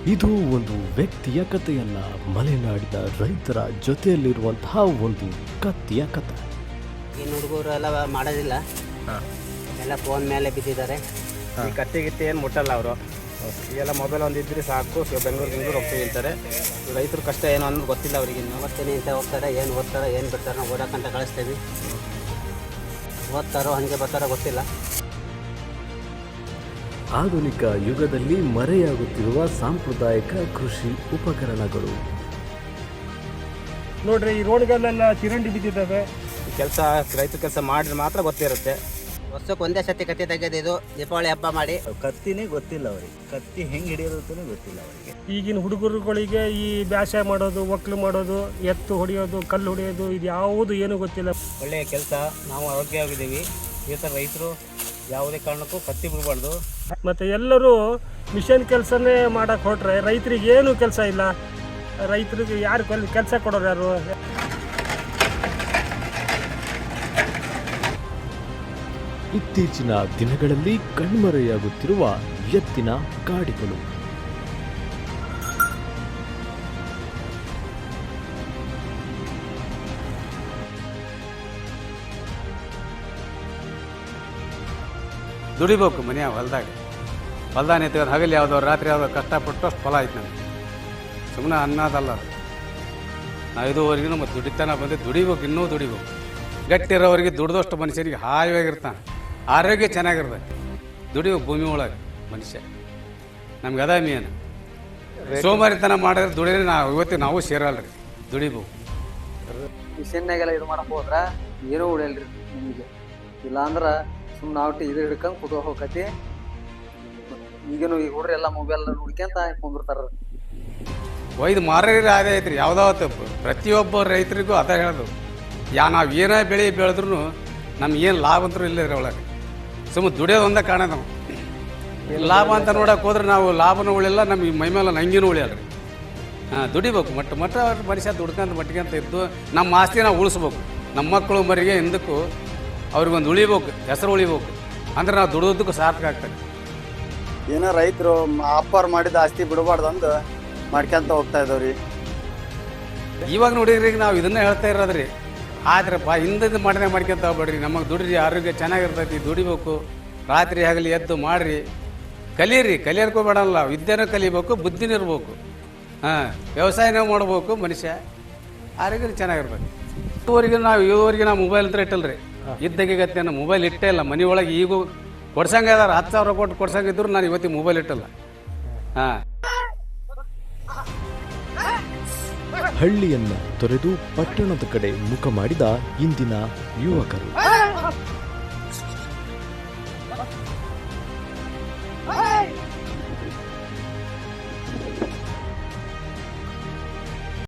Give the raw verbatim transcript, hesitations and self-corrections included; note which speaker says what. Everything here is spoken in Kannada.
Speaker 1: ಇದು ಒಂದು ವ್ಯಕ್ತಿಯ ಕಥೆಯಲ್ಲ, ಮಲೆನಾಡಿನ ರೈತರ ಜೊತೆಯಲ್ಲಿರುವಂತಹ ಒಂದು ಕತ್ತಿಯ ಕಥೆ.
Speaker 2: ಇನ್ನು ಹುಡುಗರು ಎಲ್ಲ ಮಾಡೋದಿಲ್ಲ, ಎಲ್ಲ ಫೋನ್ ಮೇಲೆ ಬಿದ್ದಿದ್ದಾರೆ.
Speaker 3: ಈ ಕತ್ತಿ ಗಿತ್ತಿ ಏನು ಮುಟ್ಟಲ್ಲ ಅವರು. ಈಗೆಲ್ಲ ಮೊಬೈಲ್ ಒಂದು ಇದ್ರೆ ಸಾಕು, ಬೆಂಗಳೂರು ಬೆಂಗಳೂರು ಹೋಗ್ತೀವಿ ಅಂತಾರೆ. ರೈತರ ಕಷ್ಟ ಏನು ಅನ್ನೋದು ಗೊತ್ತಿಲ್ಲ ಅವ್ರಿಗೆ. ಇನ್ನು
Speaker 2: ಓದ್ತೀನಿ ಅಂತ ಹೋಗ್ತಾರೆ, ಏನು ಓದ್ತಾರೋ ಏನು ಬಿಡ್ತಾರೋ ನಾವು ಓದಕ್ಕಂತ ಕಳಿಸ್ತೀವಿ. ಓದ್ತಾರೋ ಹಾಗೆ ಬರ್ತಾರೋ ಗೊತ್ತಿಲ್ಲ.
Speaker 1: ಆಧುನಿಕ ಯುಗದಲ್ಲಿ ಮರೆಯಾಗುತ್ತಿರುವ ಸಾಂಪ್ರದಾಯಿಕ ಕೃಷಿ ಉಪಕರಣಗಳು.
Speaker 4: ನೋಡ್ರಿ, ಈ ರೋಡ್ಗಳೆಲ್ಲ ಚಿರಂಡಿ ಬಿದ್ದಿದ್ದಾವೆ.
Speaker 3: ಈ ಕೆಲಸ ರೈತರ ಕೆಲಸ ಮಾಡಿದ್ರೆ ಮಾತ್ರ ಗೊತ್ತಿರುತ್ತೆ.
Speaker 2: ವರ್ಷಕ್ಕೆ ಒಂದೇ ಸತಿ ಕತ್ತಿ ತೆಗೆದಿದ್ದು ದೀಪಾವಳಿ ಹಬ್ಬ ಮಾಡಿ.
Speaker 5: ಕತ್ತಿನೇ ಗೊತ್ತಿಲ್ಲ ಅವರಿಗೆ, ಕತ್ತಿ ಹೆಂಗೆ ಹಿಡಿಯೋದು ಅಂತಲೇ ಗೊತ್ತಿಲ್ಲ ಅವರಿಗೆ.
Speaker 4: ಈಗಿನ ಹುಡುಗರುಗಳಿಗೆ ಈ ಬ್ಯಾಸ ಮಾಡೋದು, ಒಕ್ಲು ಮಾಡೋದು, ಎತ್ತು ಹೊಡೆಯೋದು, ಕಲ್ಲು ಹೊಡೆಯೋದು, ಇದು ಯಾವುದು ಏನೂ ಗೊತ್ತಿಲ್ಲ.
Speaker 3: ಒಳ್ಳೆಯ ಕೆಲಸ, ನಾವು ಆರೋಗ್ಯವಾಗಿದ್ದೀವಿ. ಈ ಥರ ರೈತರು ಯಾವುದೇ ಕಾರಣಕ್ಕೂ ಕತ್ತಿ ಬಿಡಬಾರ್ದು.
Speaker 4: ಮತ್ತು ಎಲ್ಲರೂ ಮಿಷನ್ ಕೆಲಸನೇ ಮಾಡೋಕ್ಕೆ ಹೊರಟ್ರೆ ರೈತರಿಗೆ ಏನೂ ಕೆಲಸ ಇಲ್ಲ. ರೈತರಿಗೆ ಯಾರು ಕೆಲಸ ಕೊಡೋರು ಯಾರು?
Speaker 1: ಇತ್ತೀಚಿನ ದಿನಗಳಲ್ಲಿ ಕಣ್ಮರೆಯಾಗುತ್ತಿರುವ ಎತ್ತಿನ ಗಾಡಿಗಳು.
Speaker 6: ದುಡಿಬೇಕು ಮನೆಯ ಹೊಲ್ದಾಗ. ಹೊಲ್ದಾಗ ನಿಂತ್ಕೊಂಡು ಹಗಲು ಯಾವುದೋ ರಾತ್ರಿ ಯಾವುದೋ ಕಷ್ಟಪಟ್ಟು ಅಷ್ಟು ಫಲ ಆಯ್ತು ನನಗೆ. ಸುಮ್ಮನೆ ಅನ್ನೋದಲ್ಲ ಅದು. ನಾವು ಇದುವರೆಗೂ ಮತ್ತು ದುಡಿತಾನ ಬಂದು ದುಡಿಬೇಕು, ಇನ್ನೂ ದುಡಿಬೇಕು. ಗಟ್ಟಿರೋರಿಗೆ ದುಡ್ದಷ್ಟು ಮನುಷ್ಯನಿಗೆ ಹಾಯಾಗಿರ್ತಾನೆ, ಆರೋಗ್ಯ ಚೆನ್ನಾಗಿರ್ತದೆ. ದುಡಿಬೇಕು ಭೂಮಿ ಒಳಗೆ ಮನುಷ್ಯ. ನಮ್ಗೆ ಅದ ಮೇನ್. ಸೋಮಾರಿತನ ಮಾಡಿದ್ರೆ ದುಡಿದ್ರೆ ನಾವು ಇವತ್ತಿಗೆ ನಾವು ಸೇರಲ್ರಿ, ದುಡಿಬೇಕು.
Speaker 7: ಮಿಷನ್ನಾಗೆಲ್ಲ ಇದು ಮಾಡಕ್ಕೆ ಹೋದ್ರೆ ಏನೂ ಉಳಿಯಲ್ರಿ ನಿಮಗೆ. ಇಲ್ಲಾಂದ್ರೆ ಸುಮ್ಮನೆ ನಾವು ಇದು ಹಿಡ್ಕೊಂಡು ಕುತ್ಕೊ ಹೋಗತಿ. ಈಗೇನು ಈಗ ಹುಡ್ರಿ ಎಲ್ಲ ಮೊಬೈಲ್ ಹುಡ್ಕ್ಯಂತ ಕುಂದಿರ್ತಾರ.
Speaker 6: ಒಯ್ದು ಮಾರೋರಿಗೆ ಅದೇ ಐತ್ರಿ. ಯಾವುದಾವತ್ತು ಪ್ರತಿಯೊಬ್ಬ ರೈತರಿಗೂ ಅದ ಹೇಳೋದು. ಯಾ ನಾವು ಏನೇ ಬೆಳೆ ಬೆಳೆದ್ರೂ ನಮ್ಗೆ ಏನು ಲಾಭ ಅಂತೂ ಇಲ್ಲ ರೀ ಒಳಗೆ. ಸುಮ್ಮನೆ ದುಡಿಯೋದು ಒಂದೇ ಕಾರಣ. ನಾವು ಲಾಭ ಅಂತ ನೋಡೋಕೆ ಹೋದ್ರೆ ನಾವು ಲಾಭನೂ ಉಳಿಯಲ್ಲ, ನಮಗೆ ಮೈ ಮೇಲೆ ನಂಗಿನೂ ಉಳಿಯಲ್ಲ ರೀ. ಹಾಂ, ದುಡಿಬೇಕು. ಮಟ್ಟ ಮಟ್ಟ ಮನುಷ್ಯ ದುಡ್ಕಂತ ಮಟ್ಟಿಗೆ ಇದ್ದು ನಮ್ಮ ಆಸ್ತಿ ನಾವು ಉಳಿಸ್ಬೇಕು. ನಮ್ಮ ಮಕ್ಕಳು ಮರಿಗೆ ಹಿಂದಕ್ಕೂ ಅವ್ರಿಗೊಂದು ಉಳಿಬೇಕು, ಹೆಸರು ಉಳಿಬೇಕು. ಅಂದ್ರೆ ನಾವು ದುಡಿದಕ್ಕೂ ಸಾರ್ಥಕ ಆಗ್ತದೆ.
Speaker 5: ಏನೋ ರೈತರು ಅಪ್ಪಾರು ಮಾಡಿದ ಆಸ್ತಿ ಬಿಡಬಾರ್ದು ಅಂದು ಮಾಡ್ಕೊಂತ ಹೋಗ್ತಾ ಇದ್ದಾವ್ರಿ.
Speaker 6: ಇವಾಗ ನೋಡಿದ್ರಿ, ನಾವು ಇದನ್ನೇ ಹೇಳ್ತಾ ಇರೋದ್ರಿ. ಆದ್ರಪ್ಪ ಹಿಂದಿದ್ದು ಮಾಡಿದ್ರೆ ಮಾಡ್ಕೊಂತ ಹೋಗ್ಬೇಡ್ರಿ. ನಮಗೆ ದುಡ್ರಿ, ಆರೋಗ್ಯ ಚೆನ್ನಾಗಿರ್ತೈತಿ. ದುಡಿಬೇಕು, ರಾತ್ರಿ ಆಗಲಿ ಎದ್ದು ಮಾಡಿರಿ, ಕಲೀರಿ. ಕಲಿಯೋರ್ಕೋಬೇಡಲ್ಲ, ವಿದ್ಯೆನೂ ಕಲಿಬೇಕು, ಬುದ್ಧಿನೂ ಇರ್ಬೇಕು. ಹಾಂ, ವ್ಯವಸಾಯನೂ ಮಾಡ್ಬೇಕು ಮನುಷ್ಯ, ಆರೋಗ್ಯ ಚೆನ್ನಾಗಿರ್ಬೇಕು. ಇದುವರೆಗೆ ನಾವು ಇದುವರೆಗೆ ನಾವು ಮೊಬೈಲ್ ಅಂತ ಇಟ್ಟಲ್ರಿ. ಇದ್ದಾಗತ್ತೆ ನಾನು ಮೊಬೈಲ್ ಇಟ್ಟೇ ಇಲ್ಲ. ಮನೆ ಒಳಗೆ ಈಗೂ ಕೊಡ್ಸಂಗೆ ಅದಾರ. ಹತ್ತು ಸಾವಿರ ಕೊಟ್ಟು ಕೊಡ್ಸಂಗಿದ್ರು ನಾನು ಇವತ್ತಿಗೆ ಮೊಬೈಲ್ ಇಟ್ಟಲ್ಲ. ಹಾಂ,
Speaker 1: ಹಳ್ಳಿಯನ್ನ ತೊರೆದು ಪಟ್ಟಣದ ಕಡೆ ಮುಖ ಮಾಡಿದ ಇಂದಿನ ಯುವಕರು.